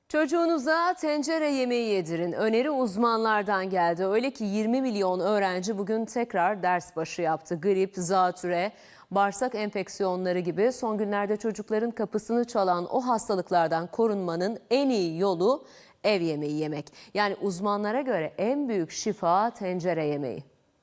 Çocuğunuza tencere yemeği yedirin. Öneri uzmanlardan geldi. Öyle ki 20 milyon öğrenci bugün tekrar ders başı yaptı. Grip, zatüre, bağırsak enfeksiyonları gibi son günlerde çocukların kapısını çalan o hastalıklardan korunmanın en iyi yolu ev yemeği yemek. Yani uzmanlara göre en büyük şifa tencere yemeği.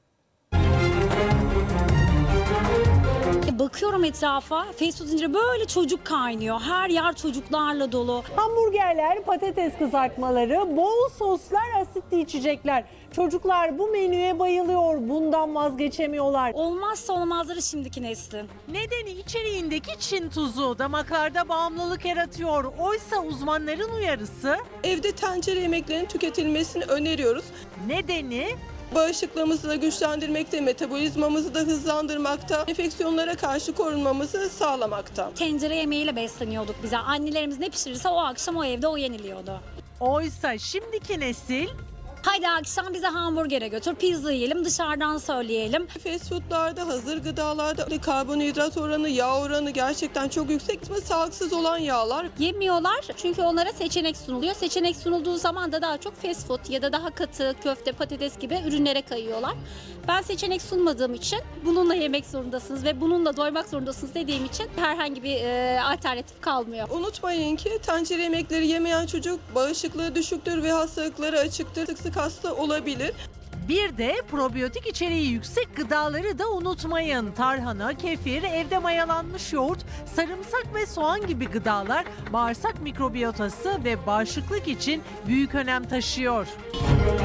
Bakıyorum etrafa, fast food zinciri böyle çocuk kaynıyor. Her yer çocuklarla dolu. Hamburgerler, patates kızartmaları, bol soslar, asitli içecekler. Çocuklar bu menüye bayılıyor, bundan vazgeçemiyorlar. Olmazsa olmazları şimdiki neslin. Nedeni içeriğindeki Çin tuzu damaklarda bağımlılık yaratıyor. Oysa uzmanların uyarısı Evde tencere yemeklerinin tüketilmesini öneriyoruz. nedeni Bağışıklığımızı da güçlendirmekte, metabolizmamızı da hızlandırmakta, enfeksiyonlara karşı korunmamızı sağlamakta. Tencere yemeğiyle besleniyorduk bize. Annelerimiz ne pişirirse o akşam o evde o yeniliyordu. oysa şimdiki nesil Haydi akşam bize hamburgere götür, pizza yiyelim, dışarıdan söyleyelim. Fast foodlarda, hazır gıdalarda karbonhidrat oranı, yağ oranı gerçekten çok yüksek ve sağlıksız olan yağlar. Yemiyorlar çünkü onlara seçenek sunuluyor. Seçenek sunulduğu zaman da daha çok fast food ya da daha katı köfte, patates gibi ürünlere kayıyorlar. Ben seçenek sunmadığım için bununla yemek zorundasınız ve bununla doymak zorundasınız dediğim için herhangi bir alternatif kalmıyor. Unutmayın ki tencere yemekleri yemeyen çocuk bağışıklığı düşüktür ve hastalıklara açıktır. Sık sık hasta olabilir. bir de probiyotik içeriği yüksek gıdaları da unutmayın. Tarhana, kefir, evde mayalanmış yoğurt, sarımsak ve soğan gibi gıdalar bağırsak mikrobiyotası ve bağışıklık için büyük önem taşıyor.